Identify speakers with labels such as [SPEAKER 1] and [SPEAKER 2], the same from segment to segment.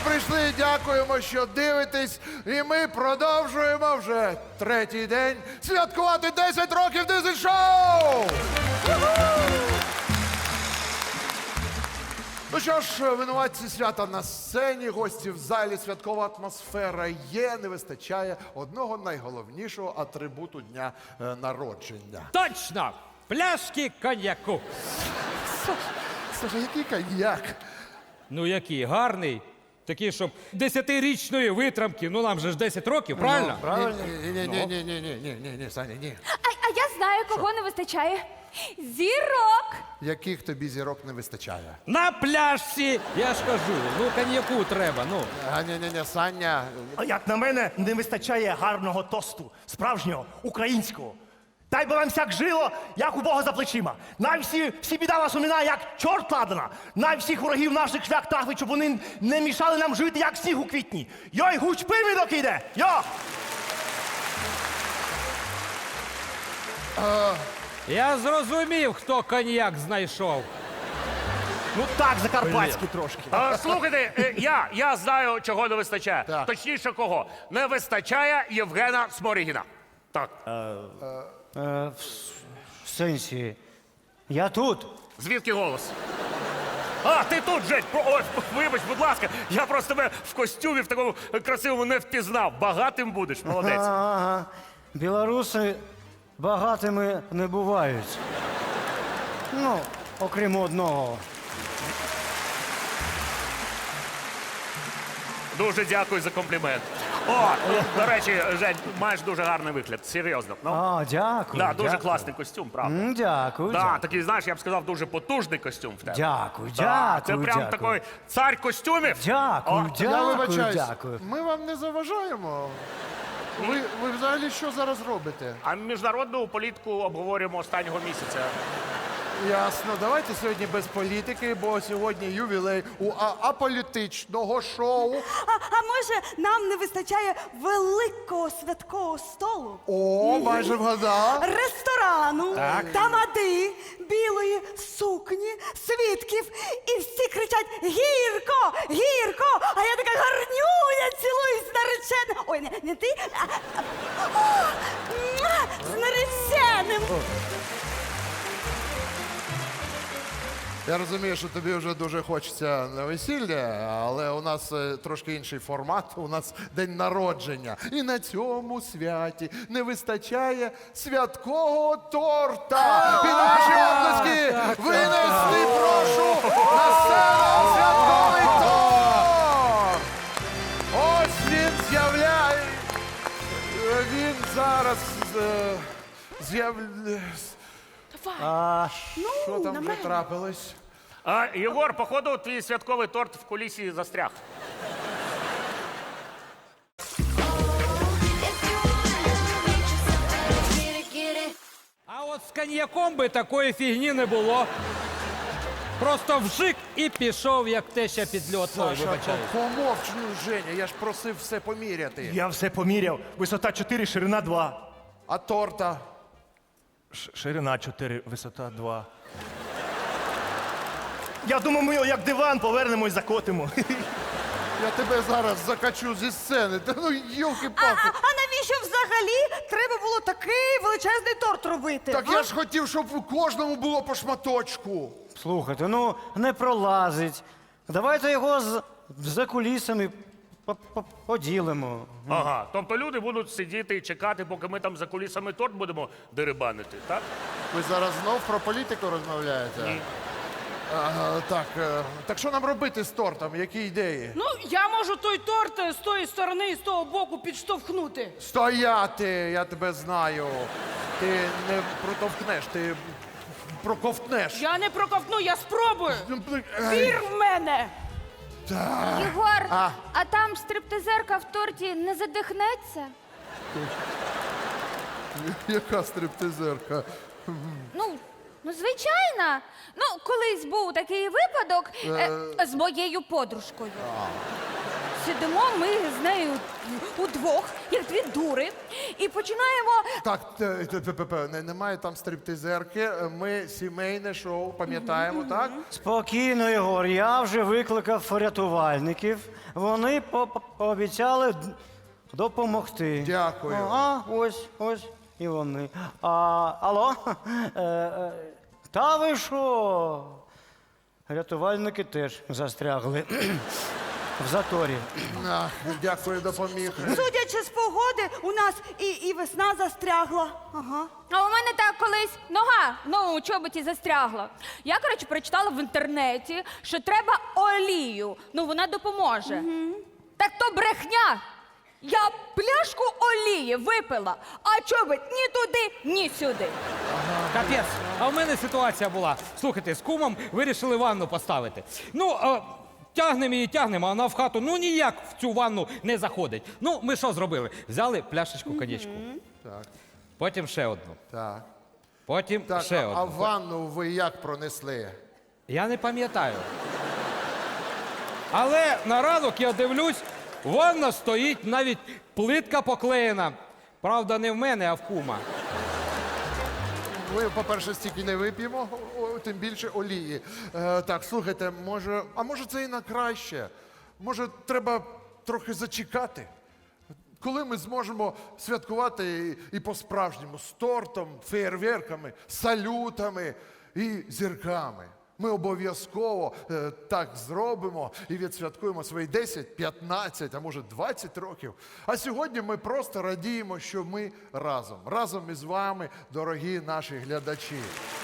[SPEAKER 1] прийшли, дякуємо, що дивитесь. І ми продовжуємо вже третій день святкувати 10 років дизель-шоу! Ну що ж, винуватці свята на сцені, гості в залі, святкова атмосфера є, не вистачає одного найголовнішого атрибуту дня народження.
[SPEAKER 2] Точно! Пляшки коньяку.
[SPEAKER 1] Слухай, який коньяк?
[SPEAKER 2] Ну який, гарний. Такий, щоб 10-річної витримки, ну нам же ж 10 років, правильно?
[SPEAKER 1] Правильно? Ні, Саня, ні.
[SPEAKER 3] А я знаю, кого не вистачає. Зірок!
[SPEAKER 1] Яких тобі зірок не вистачає?
[SPEAKER 2] На пляшці, я ж кажу, ну коньяку треба, ну.
[SPEAKER 1] Ні, Саня.
[SPEAKER 4] А як на мене, не вистачає гарного тосту, справжнього, українського. Дай би вам всяк жило, як у Бога за плечима. Най всі біда вас уминає, як чорт ладана. Най всіх ворогів наших шлях трахли, щоб вони не мішали нам жити, як сніг у квітні. Йой, гуч привідок іде! Йо!
[SPEAKER 2] Я зрозумів, хто коньяк знайшов.
[SPEAKER 4] Ну так, закарпатські трошки.
[SPEAKER 5] Слухайте, я знаю, чого не вистачає.
[SPEAKER 1] Так.
[SPEAKER 5] Точніше, кого. Не вистачає Євгена Сморігіна. Так.
[SPEAKER 6] В сенсі, я тут.
[SPEAKER 5] Звідки голос? А, ти тут, Жень! Ой, вибач, будь ласка, я просто тебе в костюмі в такому красивому не впізнав. Багатим будеш, молодець.
[SPEAKER 6] Ага. Білоруси багатими не бувають. Ну, окрім одного.
[SPEAKER 5] Дуже дякую за комплімент. О, до речі, Жень, маєш дуже гарний вигляд, серйозно. Ну,
[SPEAKER 6] А, дякую.
[SPEAKER 5] да, дуже
[SPEAKER 6] дякую.
[SPEAKER 5] класний костюм, правда.
[SPEAKER 6] Дякую.
[SPEAKER 5] Да,
[SPEAKER 6] дякую.
[SPEAKER 5] такий, знаєш, я б сказав, дуже потужний костюм в тебе.
[SPEAKER 6] Дякую,
[SPEAKER 5] Да, це
[SPEAKER 6] дякую,
[SPEAKER 5] прям
[SPEAKER 6] дякую.
[SPEAKER 5] такий цар костюмів.
[SPEAKER 6] Дякую,
[SPEAKER 5] О,
[SPEAKER 1] Я
[SPEAKER 6] дякую,
[SPEAKER 1] вибачаюсь,
[SPEAKER 6] дякую.
[SPEAKER 1] ми вам не заважаємо. Ви взагалі що зараз робите?
[SPEAKER 5] А міжнародну політику обговорюємо останнього місяця.
[SPEAKER 1] Ясно, давайте сьогодні без політики, бо сьогодні ювілей у аполітичного шоу.
[SPEAKER 7] А може, нам не вистачає великого святкового столу?
[SPEAKER 1] О, майже вгадав.
[SPEAKER 7] Ресторану, тамади, білої сукні, свідків. І всі кричать «Гірко! Гірко!» А я така гарнюня, цілуюсь з нареченим. Ой, не ти, з нареченим.
[SPEAKER 1] Я розумію, що тобі вже дуже хочеться на весілля, але у нас трошки інший формат, у нас день народження. І на цьому святі не вистачає святкового торта. Під ваші оплески винести, прошу, на сцену святковий торт! Ось він з'являє. Він зараз з'являється. Що там вже трапилось?
[SPEAKER 5] А, Єгор, походу, твій святковий торт в кулісі застряг.
[SPEAKER 2] А от з коньяком би такої фігні не було. Просто вжик і пішов, як теща під льот. Ой, вибачаю.
[SPEAKER 1] Помовч, ну, Женя, я ж просив все поміряти.
[SPEAKER 4] Я все поміряв. Висота 4, ширина 2.
[SPEAKER 1] А торта?
[SPEAKER 4] Ширина 4, висота 2. Я думаю, ми його як диван повернемо і закотимо.
[SPEAKER 1] Я тебе зараз закачу зі сцени. Та ну, йолки-палки.
[SPEAKER 7] А навіщо взагалі треба було такий величезний торт робити?
[SPEAKER 1] Так я ж хотів, щоб у кожному було по шматочку.
[SPEAKER 6] Слухайте, ну не пролазить. Давайте його за кулісами поділимо.
[SPEAKER 5] Ага, тобто люди будуть сидіти і чекати, поки ми там за кулісами торт будемо дерибанити, так?
[SPEAKER 1] Ви зараз знов про політику розмовляєте?
[SPEAKER 5] Ні.
[SPEAKER 1] Так що нам робити з тортом? Які ідеї?
[SPEAKER 8] Ну, я можу той торт з тої сторони і з того боку підштовхнути.
[SPEAKER 1] Стояти, я тебе знаю. Ти не протовкнеш, ти проковтнеш.
[SPEAKER 8] Я не проковтну, я спробую.
[SPEAKER 1] Ай,
[SPEAKER 8] Вір в мене.
[SPEAKER 3] Єгор,
[SPEAKER 1] А.
[SPEAKER 3] а там стриптизерка в торті не задихнеться?
[SPEAKER 1] Яка стриптизерка?
[SPEAKER 3] Ну, звичайно. Ну, колись був такий випадок з моєю подружкою. Сидимо ми з нею удвох, як дві дури, і починаємо.
[SPEAKER 1] Так, немає там стриптизерки, ми сімейне шоу, пам'ятаємо, так?
[SPEAKER 6] Спокійно, Єгор, я вже викликав рятувальників. вони пообіцяли допомогти.
[SPEAKER 1] Дякую.
[SPEAKER 6] Ось і вони. Алло? Та ви що? Рятувальники теж застрягли в заторі.
[SPEAKER 1] Ах, дякую, допоміг.
[SPEAKER 7] Судячи з погоди, у нас і весна застрягла. Ага.
[SPEAKER 3] А у мене так колись нога у чоботі застрягла. Я, коротше, прочитала в інтернеті, що треба олію. Ну, вона допоможе. Так то брехня. Я пляшку олії випила, а чобот ні туди, ні сюди.
[SPEAKER 2] Капець, а в мене ситуація була. Слухайте, з кумом вирішили ванну поставити. Ну, тягнемо її, тягнемо, а вона в хату ну ніяк в цю ванну не заходить. Ну, ми що зробили? Взяли пляшечку коньячку.
[SPEAKER 1] Так,
[SPEAKER 2] Потім ще одну.
[SPEAKER 1] так.
[SPEAKER 2] Потім
[SPEAKER 1] Так,
[SPEAKER 2] ще
[SPEAKER 1] а
[SPEAKER 2] одну.
[SPEAKER 1] ванну ви як пронесли?
[SPEAKER 2] Я не пам'ятаю. Але на ранок я дивлюсь, ванна стоїть, навіть плитка поклеєна. Правда, не в мене, а в кума.
[SPEAKER 1] Ми, по-перше, стільки не вип'ємо, тим більше олії. Так, слухайте, може це і на краще? Може, треба трохи зачекати? Коли ми зможемо святкувати і по-справжньому з тортом, феєрверками, салютами і зірками. Ми обов'язково так зробимо і відсвяткуємо свої 10, 15, а може 20 років. А сьогодні ми просто радіємо, що ми разом. Разом із вами, дорогі наші глядачі.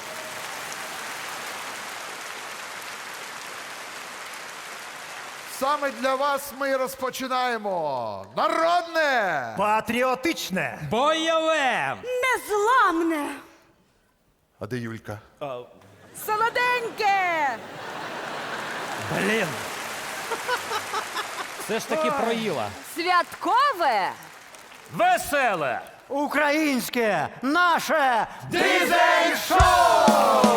[SPEAKER 1] Саме для вас ми розпочинаємо народне!
[SPEAKER 4] Патріотичне.
[SPEAKER 2] Бойове!
[SPEAKER 7] Незламне.
[SPEAKER 1] А де Юлька?
[SPEAKER 7] Солоденьке.
[SPEAKER 4] Блін.
[SPEAKER 2] Все ж таки проїла.
[SPEAKER 3] Святкове!
[SPEAKER 5] Веселе!
[SPEAKER 6] Українське, наше
[SPEAKER 1] Дизель-шоу!